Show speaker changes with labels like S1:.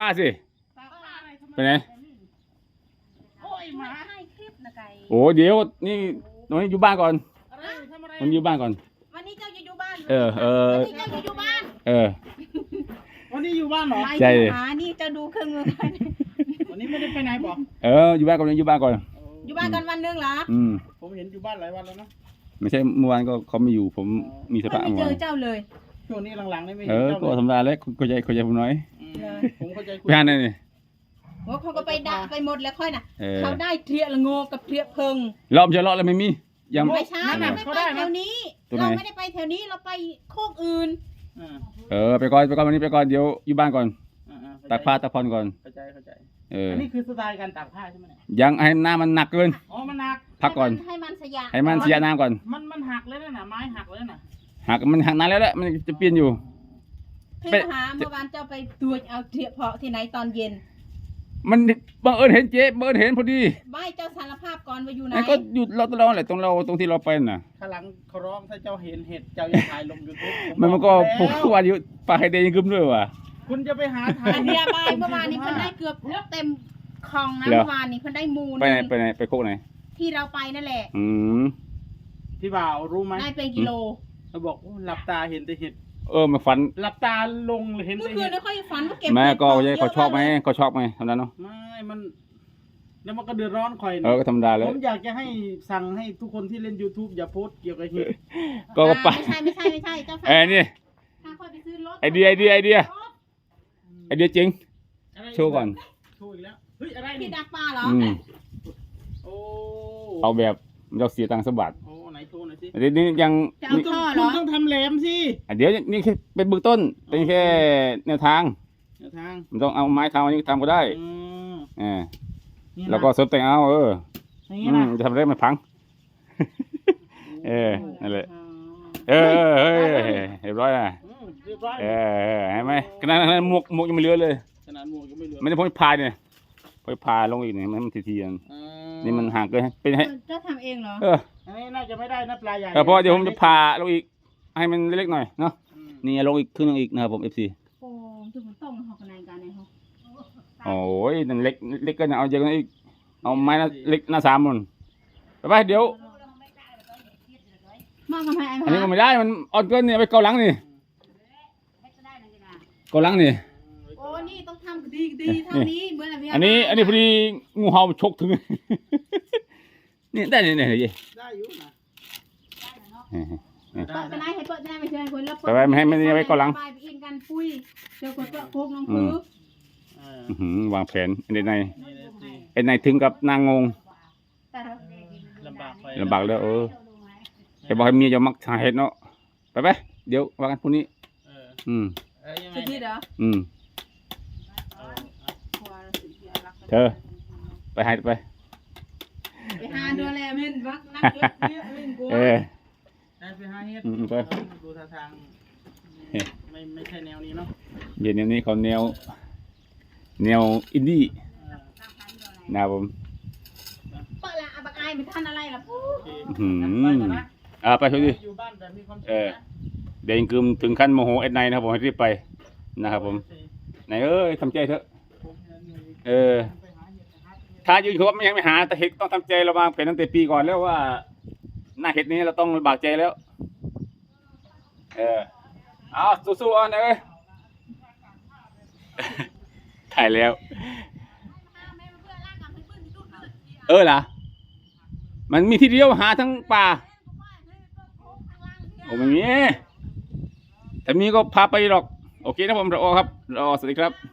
S1: สิไปไหน
S2: โอ้ยหมาให้คลิปนะไก่
S1: โอ้เดี๋ยวนี่น้องอยู่บ้านก่อนมันอยู่บ้านก่อน
S2: วันนี้เจ้าจะอยู่บ้าน
S1: วัน
S2: นี้เจ้าจะอยู่บ้าน
S3: วันนี้อยู่บ้านเหรอ
S1: ใช่
S2: หานี่จะดูเครื่องมือกัน
S3: วันนี้ไม่ได้ไปไหนบอก
S1: อยู่บ้านก่อนอยู่บ้านก่อน
S2: อยู่บ้านกันวันนึงเหรอ
S3: ผมเห็นอยู่บ้านหลายวันแล้วนะ
S1: ไม่ใช่เมื่อวานก็เขาไม่อยู่ผมมีสภาพ
S2: ไม่
S1: เมื่อ
S2: เจ
S1: วา
S2: อน เจ้าเลย
S3: ช่วงนี้หลังๆนี่ไม่เห็นเจ้า
S1: ก็
S3: เลย
S1: ธรรมดาแล้วเข้าใจผมน้อย
S3: ผมเข้าใจ
S1: ไปหาไหนนี่
S2: โอ้เขาก็ไปด่าไปหมดแล้วค่อยน่ะ
S1: เออ
S2: เขาได้เทียละโงกับเทียเพิง
S1: รอบจะเลาะแล้วไม่มียัง
S2: ไม่ใช่เราไม่ไปแถวนี้ เราไม่ได้ไปแถวนี้เราไปโคกอื่น
S1: ไปก่อนวันนี้ไปก่อนเดี๋ยวอยู่บ้านก่อนตากผ้าตากผ่อนก่อน
S3: เข้าใจ
S1: อั
S3: นนี้คือสไตล์การตากผ้าใช่ไหมเนี่ย
S1: ยังให้หน้ามันหนักเกิน
S3: อ๋อมันหัก
S1: พักก่อน
S2: ให้มันสยะ
S1: ให้มันเสียน้ำก่อน
S3: มันหักเลยนะไม้หักเลยนะ
S1: มันหักนานแล้วแหละมันจะเปลี่ยนอยู่
S2: พี่หาเมื่อวานเจ้าไปตัวเอาเทียเพาะที่ไหนตอนเย็น
S1: มันบังเอิญเห็นเจ๊บังเอิญเห็นพอดี
S2: ไม่เจ้าสารภาพก่อนว่าอยู่ไหน
S1: ไอ้ก็หยุดเราแหละตรงที่เราไปน่ะ
S3: ข้างหลังเขาร้องถ้าเจ้าเห็นเห็ดเจ้าอย่าถ่ายลงยูทูบ
S1: มันก็ผูกวันอยู่ปลาไฮเดย์ยังกึมด้วยว่ะ
S3: คุณจะไปหาถ่าย
S2: อันเดียบายเมื่อวานนี้เพิ่นได้เกือบเต็มคลองนะเมื่อวานนี้เพิ่นได้มูล
S1: ไปไหนไปโคกไหน
S2: ที่เราไปนั่นแหละ
S3: พี่บ่าวรู้ไหม
S2: ได้เป็นกิโล
S3: เขาบอกหลับตาเห็นแต่เห็ด
S1: มาฝัน
S3: หลับตาลงเห็น
S2: เมื่
S3: แต่
S2: อคื
S3: เห็
S2: น
S3: ด
S2: ไม่ค่อยฝันว่าเก็บ
S1: แม่ก็
S2: เห็ด
S1: เขาชอบไหม
S2: เยะ
S1: เขาชอบไหมทำนั้นเนาะ
S3: ไม่มันแล้วมันก็เดือดร้อนคอย
S1: ก็ธรรมดาเลย
S3: ผมอยากจะให้สั่งให้ทุกคนที่เล่น YouTube อย่าโพสต์เกี่ยวกับเห็ด
S1: ก็ไป
S2: ไม่ใช่เจ้า
S1: นี่
S2: ถ้าค่อยไปซื้อรถ
S1: ไอเดียจริง โชว์ก่อน
S3: โชว์อีกแล้วเฮ้ยอะไร
S2: พี่
S3: นี่
S2: ดักปลาเหรอ
S3: โอ้
S1: เอาแบบเราเสียตังค์สบัด
S3: โอ้ไหนโชว์หน่อยสิ
S1: เดี๋ยวนี้ยัง
S2: จะเอาท่อเหร
S3: คุ
S2: อ
S3: ณต้องทำแหลมสิ
S1: เดี๋ยวนี่แค่เป็นเบื้องต้นเป็นแค่แนวทาง
S3: แนวทาง
S1: มันต้องเอาไม้ทำอันนี้ทำก็ได้
S3: นี่นะ
S1: แล้วก็เสริมแต่งเอา
S3: อย่างนี้นะ
S1: จะทำได้ไม่พังนั่นแหละเรียบร้อยนะ
S3: เรียบร้อย
S1: เห็นไหมขนาดนั้นหมวกยังไม่เหลือเลย
S3: ขนาดหมวกยังไม่เหลือ
S1: ไม่ได้พ้นพายเนี่ยพ้นพายลงอีกเนี่ยมันทีนี่มันห่างเกินเป็นให้
S2: เจ้าทำเองเหรอ
S3: อันนี้น่าจะไม่ได้นะปลาใหญ่
S1: เพราะเดี๋ยวผมจะพาลงอีกให้มันเล็กๆหน่อยเนาะนี่ลงอีกครึ่งนึงอีกนะครับผม FC
S2: โอ้ถึงมันต้องหอกอะไรกันเนี่ยเขา
S1: โอ้ยนั่นเล็กก็เอาเยอะกว่านั้นอีกเอาไม้เล็กหน้า3มันไปเดี๋ยว
S2: มากทำไม
S1: อันนี้ก็ไม่ได้มันอ่อนเกินเนี่ยไปเกาหลังนี่เกาหลังนี่
S2: โอ้นี่ต้องทำดีเท่านี้เหมือนอะไร
S1: อันนี้พอดีงูเห่าฉกถึงนี่ได้เนี่ย
S3: ได้อยู่นะ
S2: เปิดไปไหนให้เปิดได้ไม่เชื่อคนแล้ว
S1: ไปไม่ให้ไม่ไว้เกาหลัง
S2: ไปอินกันปุ้ยเจอคนเปิดโคกน้องพื้น
S1: วางแผนไอ้ในถึงกับนางงง
S3: ลำบากไป
S1: ลำบากแล้วจะบอกให้เมียจะมักหาเห็ดเนาะไปเดี๋ยวว่ากันพรุ่งนี้
S3: ยังไง
S2: สุดที่เหรอ
S1: เธอไปหาไป
S2: ไปหาดูแลเม่นวักนักเยอะเม่นกู
S3: ได้ไปหาเฮ็ดดูท่าทางไม่ใช่แนวนี้เนาะ
S1: เย็นนี้เขาแนวอินดี้นะผม
S2: เปิดละบักอายไม่ทันอะไรล่ะปุ๊บ
S1: ไปช่วยดิ
S3: อยู่บ้านแบบมีความสุข
S1: เดี๋ยวกึมถึงขั้นโมโหเอ็ดไนนะครับผมให้รีบไปนะครับผมไหนทำใจเถอะถ้าอยู่เขายังไม่หาแต่เห็ดต้องทำใจเราวางแผนตั้งแต่ปีก่อนแล้วว่าหน้าเห็ดนี้เราต้องลำบากใจแล้วเอาสู้ๆนะถ่ายแล้วล่ะมันมีที่เดียวหาทั้งป่าโอ้ไม่มีแต่มีก็พาไปหรอกโอเคนะผมรอครับสวัสดีครับ